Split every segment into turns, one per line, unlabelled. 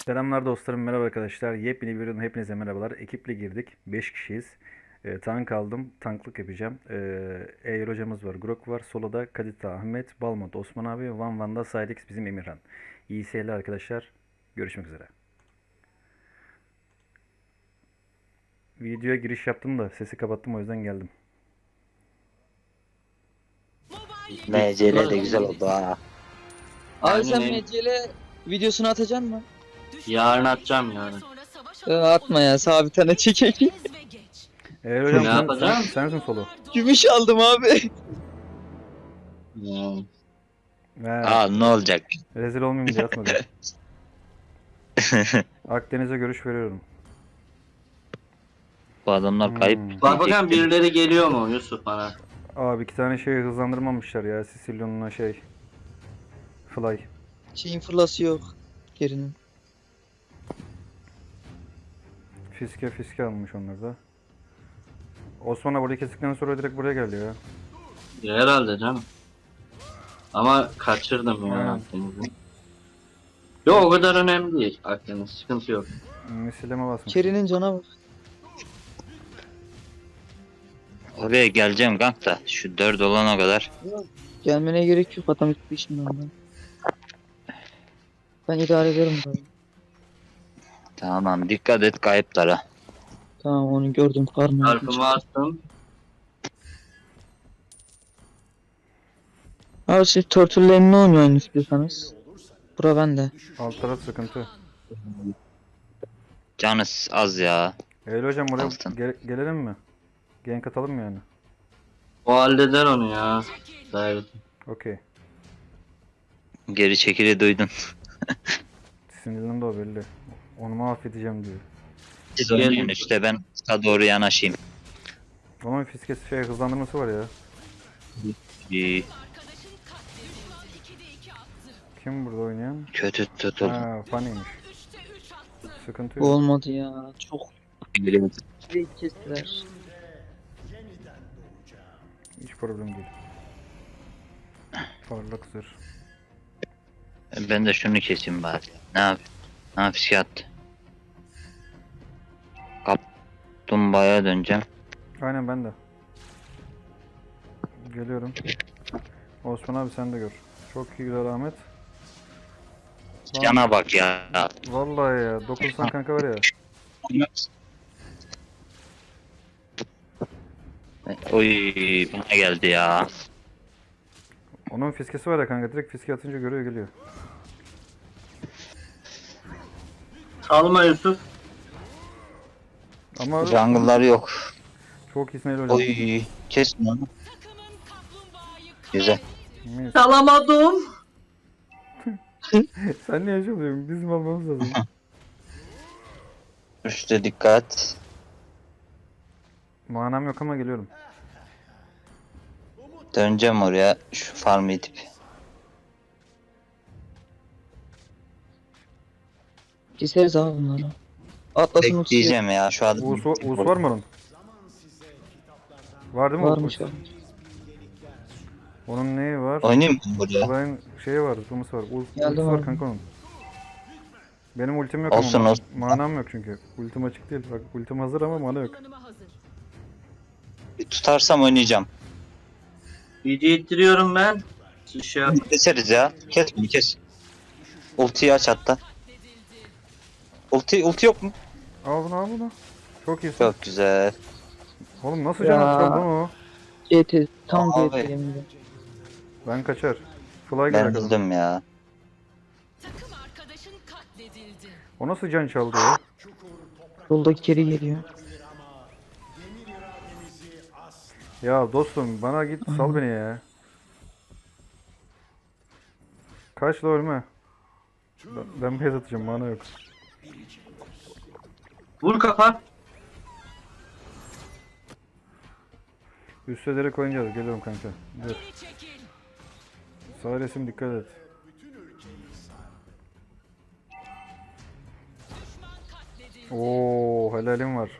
Selamlar dostlarım, merhaba arkadaşlar. Yepyeni bir videodan hepinize merhabalar. Ekiple girdik. 5 kişiyiz. Tank aldım. Tanklık yapacağım. Eğer hocamız var, Grok var. Solo'da Kadita, Ahmet, Balmont, Osman abi, Van Van'da Sidex bizim Emirhan. İyi seyirler arkadaşlar. Görüşmek üzere. Videoya giriş yaptım da sesi kapattım, o yüzden geldim.
MCL de güzel oldu ha.
Abi sen
Aynen.
MCL videosunu atacaksın mı?
Yarın atacağım yarın.
Atma ya, sabit tane çekeyim.
Eğer hocam
Ne yapacağım?
sensin Solo.
Gümüş aldım abi.
He,
Aa ne olacak?
rezil olmayayım diye atmadım. Akdeniz'e görüş veriyorum.
Bu adamlar kayıp.
Bak bakalım birileri geliyor mu Yusuf bana?
Abi 2 tane şey hızlandırmamışlar ya. Sicilyon'la Fly.
Şeyin fırlası yok. Gerinin.
Fiske almış onlar da. Osman'a burayı kestikten sonra direkt buraya geldi ya.
Ya herhalde canım. Ama kaçırdım ya
Aynen.
Akdeniz'i. Yok o kadar önemli değil Akdeniz, sıkıntı yok.
Misileme basmış.
Kerinin cana bak.
Oraya geleceğim kanka da şu 4 olana kadar.
Gelmene gerek yok, adam gitti şimdi ondan. Ben idare ederim burayı.
Tamam dikkat et kayıplara.
Tamam, onu gördüm, karma.
Çarpımı attım.
Abi siz Turtle'lerini oynuyorsun istiyorsanız. Bura bende.
Alt taraf sıkıntı.
Canız az ya.
Eylül hocam oraya
Altın.
gelelim mi? Gank atalım mı yani?
O halleder onu ya. Davet.
Okey.
Geri çekili duydun.
Sinirlendi o belli. Onu mahvedeceğim diyor.
Siz oynayın işte ben sağa doğru yanaşayım.
Ama fiskesi hızlandırması var ya.
İyi,
Kim burada oynayan?
kötü tutuldu.
Ha, Fanny'miş. Sıkıntı
Bu
yok.
olmadı ya. Çok şey kestiler.
Hiç problem değil. Parlak zırh.
Ben de şunu keseyim bari. Ne yapayım? Ne yapayım? Kaplumbağaya döneceğim.
Aynen ben de. Geliyorum. Osman abi sen de gör. Çok iyi güzel Ahmet. Lan,
Cana bak ya.
vallahi ya. Dokunsan kanka var ya.
Oy bana geldi ya.
Onun fiskesi var ya kanka. Direkt fiske atınca görüyor geliyor.
Salma Yusuf.
Ama
Jungle'lar yok.
çok iyisin Eylül hocam.
Oy kes onu. Güzel.
Mis.
Salamadım.
Sen niye yaşamıyorsun? Bizim almamız lazım.
Üste dikkat.
Manam yok ama geliyorum.
Döneceğim oraya şu farmı itip.
Keseriz abi bunları. Atlasın uçuyor.
Bekleyeceğim ya şu an.
Uğuz var mı onun? Var değil mi?
Varmış abi.
Onun neyi var?
Oynayayım mı buraya?
Fly'ın şeyi var, zıplaması var.
Geldim
Ultisi var
abi.
kanka onun. Benim ultim yok
Olsun,
ama
olsun.
manam yok çünkü. Ultim açık değil. Bak ultim hazır ama mana yok.
Bir tutarsam oynayacağım.
Video ittiriyorum ben. Şey yap.
Keseriz ya. Kes bunu kes. Ultiyi aç hatta. Ulti yok mu?
Al bunu. Çok iyisin.
Çok güzel.
Oğlum nasıl
Ya.
can atacağım lan o?
GT tam
Abi.
GT yeminle.
Ben kaçar. Fly gelir
Ben
arkadan.
bildim ya.
Takım arkadaşın katledildi.
O nasıl can çaldı ya?
Yoldaki geri geliyor.
Ya dostum bana git sal beni ya. Kaç la ölme. Ben base atacağım mana yok.
Vur kafa.
Üste direkt oynayacağız. Geliyorum kanka. Dur.
Geri çekil.
Sağ resim dikkat et.
Düşman katledildi.
Oo helalim var.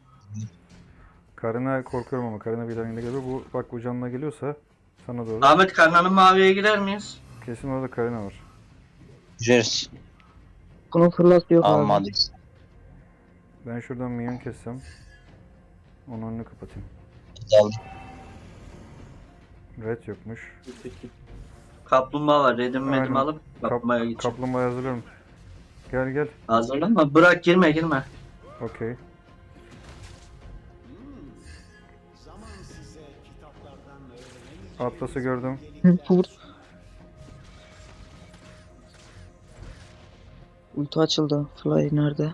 Karına korkuyorum ama Karına bir tane geliyor. Bu canına geliyorsa sana doğru.
Ahmet Karnan'ın maviye gider miyiz?
Kesin orada Karina var.
Gireriz.
Bunun fırlat yok abi.
Almadıysa.
Ben şuradan minyon kessem. Onun önünü kapatayım.
Aldım.
Red yokmuş.
Kaplumbağa var. Redim medim
Aynen.
alıp kaplumbağaya gideceğim.
Kaplumbağa hazırlıyorum. Gel gel.
Hazırlanma. Bırak girme.
Okey. Atlas'ı gördüm.
Vur. Ulti açıldı. Fly nerede?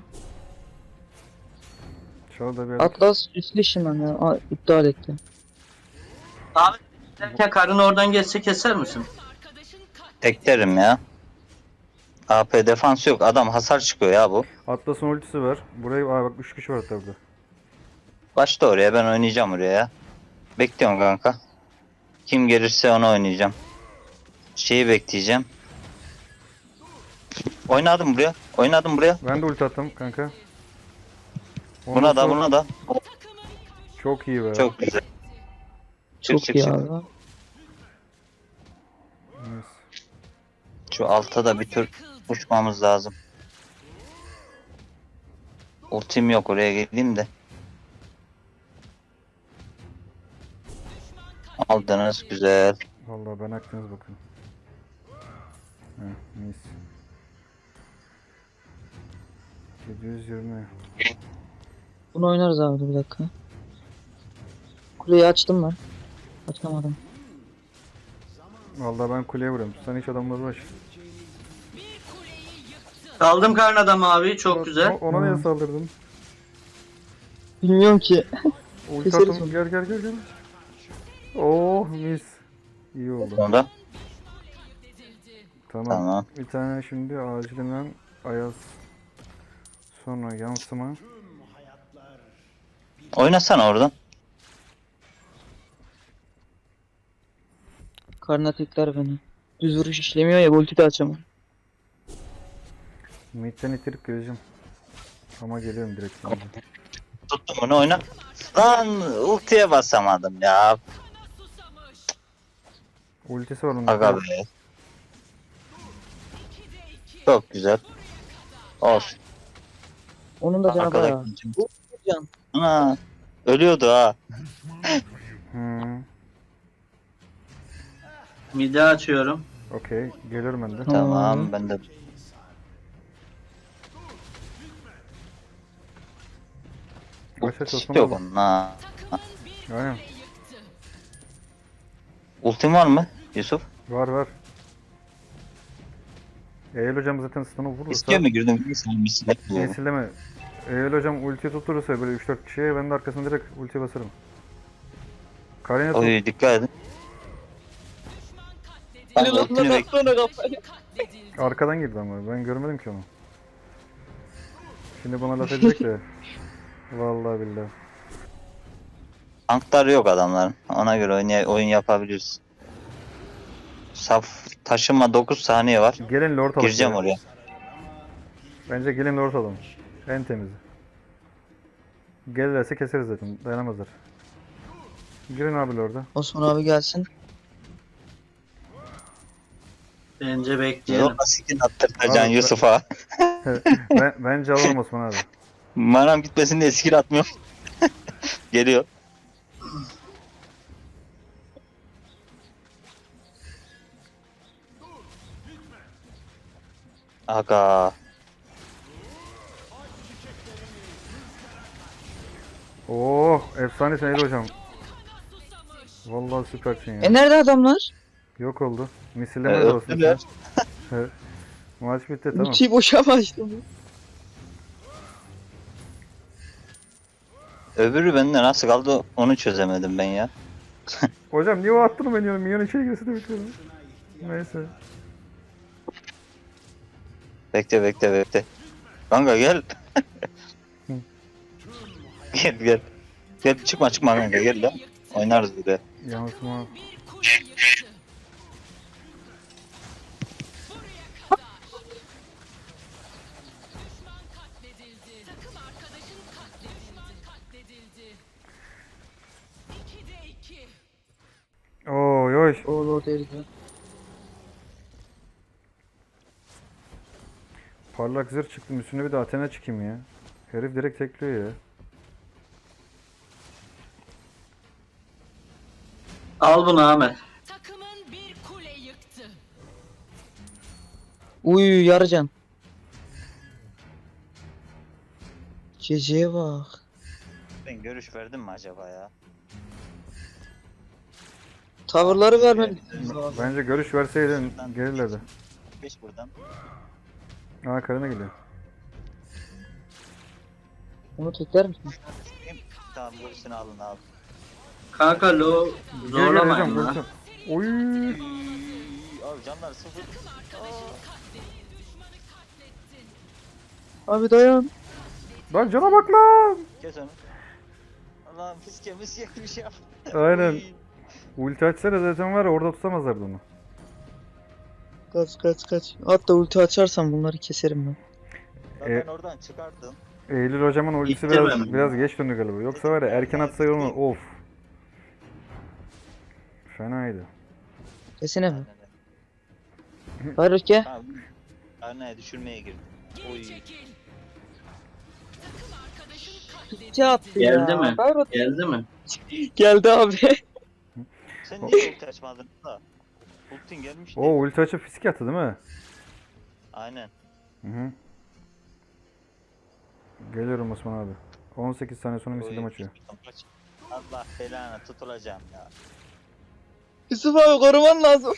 Şurada bir
Atlas üstlü ışınlan ya. Aa, iptal etti.
Abi derken karın oradan geçse keser misin?
Arkadaşın katledildi.
Teklerim ya. AP defans yok. Adam hasar çıkıyor ya bu.
Atlas'ın ultisi var. Buraya bak 3 kişi var hatta burada.
Başla oraya, ben oynayacağım oraya ya. Bekliyorum kanka. Kim gelirse onu oynayacağım. Şeyi bekleyeceğim. Oynadım buraya. Oynadım buraya.
Ben de ulti attım kanka.
Buna da
Ondan sonra-
buna da.
Çok iyi be.
Çok güzel.
Çok
çık,
iyi
çık.
abi.
Yes.
Şu alta da bir tür uçmamız lazım. Ultim yok, oraya gideyim de. Aldınız, güzel.
Vallahi ben aklınız bakın. Heh, mis. 720.
Bunu oynarız abi dur bir dakika. Kuleyi açtım ben. Açamadım.
Vallahi ben kuleye vuruyorum. Sen hiç adamla uğraş.
Bir kuleyi yıktı.
Aldım karın adamı abi. Çok güzel.
Ona niye saldırdın?
Bilmiyorum ki.
Ulti
Keseriz
attım.
onu.
Gel. Oh mis. İyi oldu.
Sonra
Katledildi.
Tamam.
tamam.
Bir tane şimdi acilinden Ayaz. Sonra yansıma.
Oynasana oradan.
Karnına tekler beni. Düz vuruş işlemiyor ya ulti de açamam.
Mid'den itirip geleceğim. Ama geliyorum direkt şimdi.
Tuttum bunu, oyna. Lan ultiye basamadım ya.
Susamış.
Ultisi var onun.
Aga be.
2'de 2.
Çok güzel. Olsun.
Onun da canı
Arkada
bayağı.
gideceğim.
Can.
Ana. Ölüyordu ha.
Hmm.
Midi açıyorum.
Okey. Geliyorum ben de.
Tamam, ben de.
Aç Osman
Yok
abi.
onun ha.
Takımın bir
Aynen.
kuleyi yıktı.
Ultim var mı Yusuf?
Var. Eğil hocam zaten stun'u vurursa.
İstiyor mu girdim? Mislet buluyorum.
Nesilleme. Eğil hocam ulti tutturursa böyle 3-4 kişiye ben de arkasına direkt ulti basarım. Karina tut.
Oy, dikkat edin.
Düşman katledildi.
Ben ultini bek.
Katledildi.
Arkadan girdi ama ben görmedim ki onu. Şimdi bana laf edecek de. Vallahi billahi.
Tanklar yok adamların. Ona göre oyun yapabiliriz. Saf taşıma 9 saniye var.
Gelin lord alalım.
Gireceğim oraya.
Bence gelin lord alalım. En temizi. Gelirlerse keseriz zaten. Dayanamazlar. Girin abi lord'a.
Osman abi gelsin.
Bence bekleyelim.
Yok, skin attırtacaksın
Abi,
Yusuf'a.
Bence alalım Osman abi.
Manam gitmesin diye skin atmıyor. Geliyor. Aga.
Oh, efsanesin Eylül hocam. Vallahi süpersin ya.
Nerede adamlar?
Yok oldu. Misilleme de olsun.
Öldüler.
Evet. Maç bitti tamam.
Ultiyi boşa mı açtım?
Öbürü bende nasıl kaldı onu çözemedim ben ya.
Hocam niye o attın beni ya? Minyon içeri girse de bitiyorum. Neyse.
Bekle. Kanka gel. Gel. Gel çıkma kanka gel lan. Oynarız bir de.
Yansıma.
Bir kuleyi yıktı. Buraya kadar. Düşman katledildi. Takım arkadaşın katledildi. 2'de 2.
Oy oy.
O Lord eridi.
Parlak zırh çıktım, üstüne bir de Athena çıkayım ya. Herif direkt tekliyor ya.
Al bunu Ahmet.
Takımın bir kule yıktı.
Uy yarıcan. CC'ye bak.
Ben görüş verdim mi acaba ya?
Tavırları vermedi.
Bence görüş verseydin gelirlerdi.
5 buradan.
Aa, Karina geliyor.
Onu tekler misin?
Tamam görüşünü alın abi.
Kanka
Gel gel
zorlamayın
hocam,
lan.
görüşün. Oy.
Abi canlar sıfır.
Takım arkadaşın katledildi. Düşmanı katlettin.
Abi dayan.
Lan cana bak lan.
Kes onu. Allah'ım fiske bir şey yap.
Aynen.
Oy.
Ulti açsana zaten var ya, orada tutamazlardı onu.
Kaç. Hatta ulti açarsam bunları keserim ben.
Lan ben oradan çıkardım.
Eylül hocamın ultisi
İttirmem.
biraz geç döndü galiba. Yoksa var ya, erken atsaydı onu, of. Fenaydı.
Desene mi?
Aynen.
Hayır gel.
Tamam. Karnaya düşürmeye girdim. Oy.
Geri çekil. Takım arkadaşın katledildi.
Ulti attı
Geldi
ya.
mi?
Hayır,
Geldi mi?
geldi abi.
Sen niye ulti açmadın da? Ultin gelmişti.
O ulti açıp fisk attı değil mi?
Aynen.
Hı hı. Geliyorum Osman abi. 18 saniye sonra misildim
Oy.
açıyor.
Allah belanı tutulacağım ya.
Yusuf abi koruman lazım.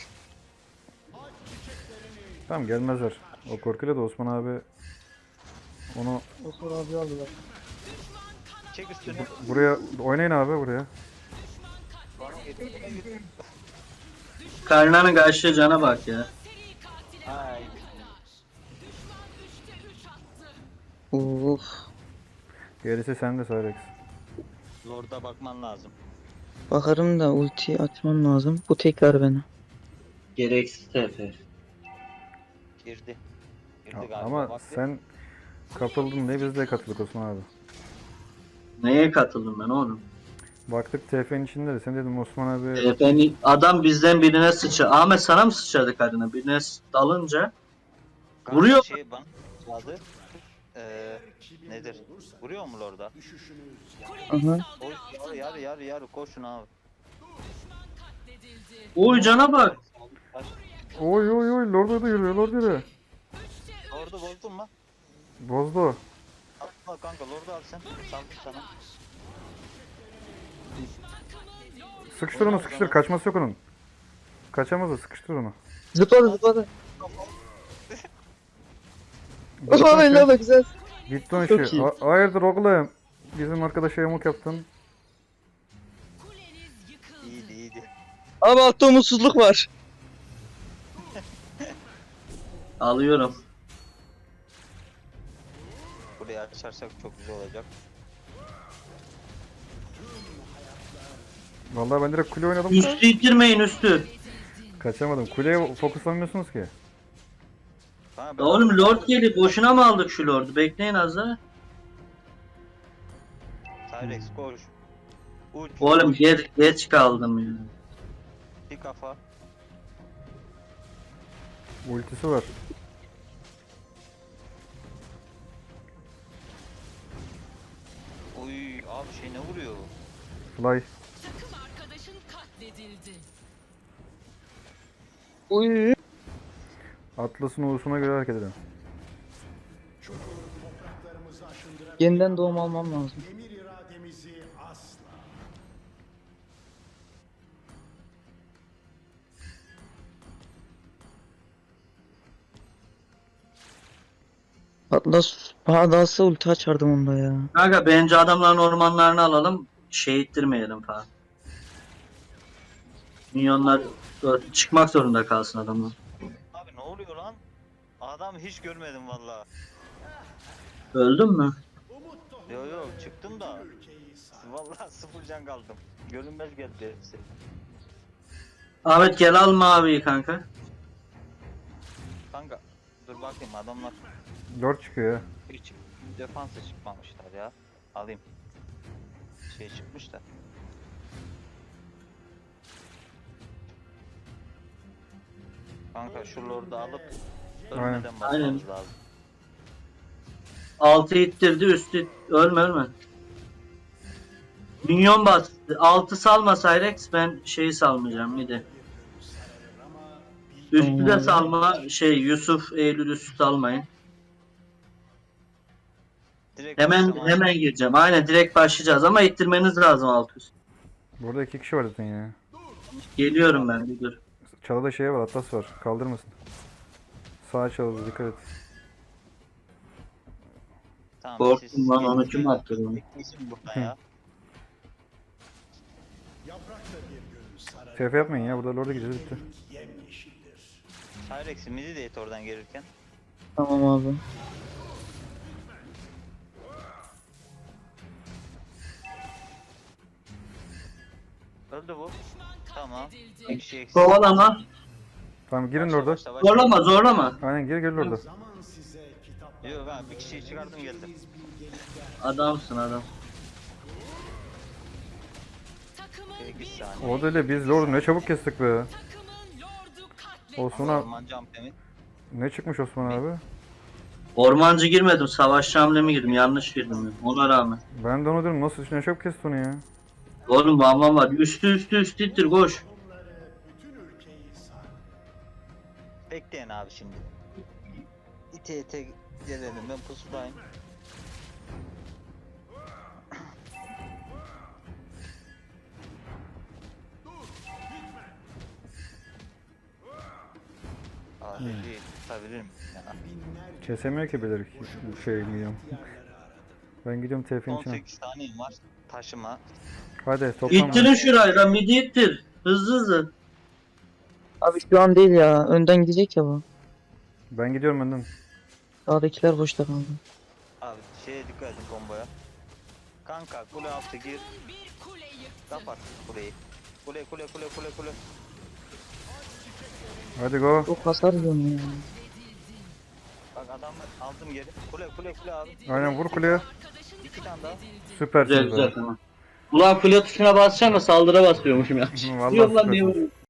Tamam, gelmezler. O korkuyla da Osman abi onu
Osman abi aldılar.
Çek üstünü.
buraya oynayın abi, buraya.
Bana getir.
Karnanın karşı cana bak ya.
Seri katile
Ay.
düşman 3'te 3 attı.
Uf.
Gerisi sende Cyrex.
Lord'a bakman lazım.
Bakarım da ulti atmam lazım. Bu tekrar beni.
Gereksiz TF.
Girdi. Girdi galiba.
Ama
Bak bir.
sen kapıldın diye biz de katıldık Osman abi.
Neye katıldım ben oğlum?
Baktık TF'nin içinde de sen dedim Osman abi
Adam bizden birine sıçradı. Ahmet sana mı sıçradı karına? Birine dalınca
Kanka
vuruyor.
Şey bana çaldı. Nedir? Vuruyor mu Lord'a?
Kuleniz
Aha.
saldırı altında.
Yarı koşun abi.
Düşman katledildi.
Uy cana bak.
oy oy oy, Lord'a da yürüyor, Lord yürüyor.
3'te 3.
Lord'u bozdun mu?
Bozdu.
Al kanka Lord'u al sen. Saldım sana.
Sıkıştır onu, sıkıştır, kaçması yok onun. Kaçamaz o, sıkıştır onu.
Zıpladı.
Bitti
Oha
o işi.
bella güzel.
Bitti o
Çok
işi.
iyi.
Hayırdır oğlum? Bizim arkadaşa yamuk yaptın.
Kuleniz yıkıldı.
İyiydi.
Abi altta umutsuzluk var.
Alıyorum.
Burayı açarsak çok güzel olacak.
Vallahi ben direkt kule oynadım.
Üstü ittirmeyin üstü.
Kaçamadım. Kuleye fokuslanmıyorsunuz ki.
Ha,
Ya oğlum Lord geldi. Boşuna mı aldık şu Lord'u? Bekleyin az daha.
Tyrex koş. Uç.
Oğlum geç kaldım ya.
Bir kafa.
Ultisi var.
Oy abi şey ne vuruyor?
Fly.
Takım arkadaşın katledildi.
Uy.
Atlas'ın ulusuna göre hareket edin.
Yeniden doğum almam lazım.
Emir irademizi asla.
Atlas Bağdası ulti açardım onda ya.
Kanka bence adamların ormanlarını alalım. Şey ittirmeyelim falan. Minyonlar çıkmak zorunda kalsın adamlar.
Abi ne oluyor lan? Adam hiç görmedim valla.
Öldün mü?
Yo çıktım da. Valla sıfır can kaldım. Görünmez geldi hepsi.
Ahmet gel al maviyi kanka.
Kanka dur bakayım adamlar
Lord çıkıyor ya.
hiç defansa çıkmamışlar ya. Alayım. Şey çıkmış da. Kanka şu Lord'u alıp ölmeden basmamız lazım.
Altı ittirdi üstü. Ölme ölme. Minyon bastı. Altı salma Cyrex, ben şeyi salmayacağım bir de. Üstü de salma Yusuf, Eylül üstü salmayın.
Direkt
Hemen
başlama.
hemen gireceğim. Aynen direkt başlayacağız ama ittirmeniz lazım alt üst.
Burada 2 kişi var zaten ya.
Geliyorum ben bir dur.
Çalıda şey var, Atlas var. Kaldırmasın. Sağ çalıda dikkat et.
Tamam,
Korktum
siz
lan,
gelin,
onu kim
gelin.
attı bunu?
Bekleyin burada ya.
Yaprak da bir gün sararır.
TF yapmayın ya, burada Lord'a gideceğiz bitti.
Yemyeşildir.
Cyrex'i midi de et oradan gelirken.
Tamam abi.
Öldü bu.
Düşman
Tamam.
katledildi.
Bir kişi eksik.
Kovalama.
Tamam girin
Başla,
Lord'a.
başla, başla.
Zorlama zorlama.
Aynen gir Lord'a.
Zaman size kitaplar.
Yok ben bir kişiyi çıkardım geldim.
Adamsın adam.
Takımın
Peki,
bir
saniye.
O da öyle, biz Lord'u ne çabuk kestik be.
takımın lordu katledildi.
Osman abi,
Orman jumpemi.
ne çıkmış Osman abi?
Ormancı girmedim. Savaşçı hamlemi girdim. Yanlış girdim. Ben. Ona rağmen.
Ben de onu diyorum, nasıl ne çabuk kesti onu ya.
Oğlum bam var. Üstü ittir koş.
Bütün ülkeyi sar.
Bekleyin abi şimdi. İte ite gelelim, ben pusudayım. Abi değil, tutabilirim. Ya.
Binlerce
Kesemiyor ki bilir bu şey gidiyorum. Ben gidiyorum TF'nin içine.
18 saniyem var. Taşıma.
Hadi toplam.
İttirin şurayı lan. Midi ittir. Hızlı hızlı.
Abi şu an değil ya. Önden gidecek ya bu.
Ben gidiyorum önden.
Sağdakiler boşta kaldı.
Abi şeye dikkat edin komboya. Kanka kule altı gir.
Bir kule yıktı.
Kapat kuleyi. Kule.
Hadi go.
Çok hasar yiyorum ya.
Bak adamı aldım geri. Kule abi.
Aynen vur kuleye.
Arkadaşın
İki tane daha.
Güzel
Süpersiniz
güzel
be.
tamam. Ulan file tuşuna basacağım da saldırı basıyormuşum ya.
Vallahi
Yok lan niye
süpersiniz.
vuruyorsun?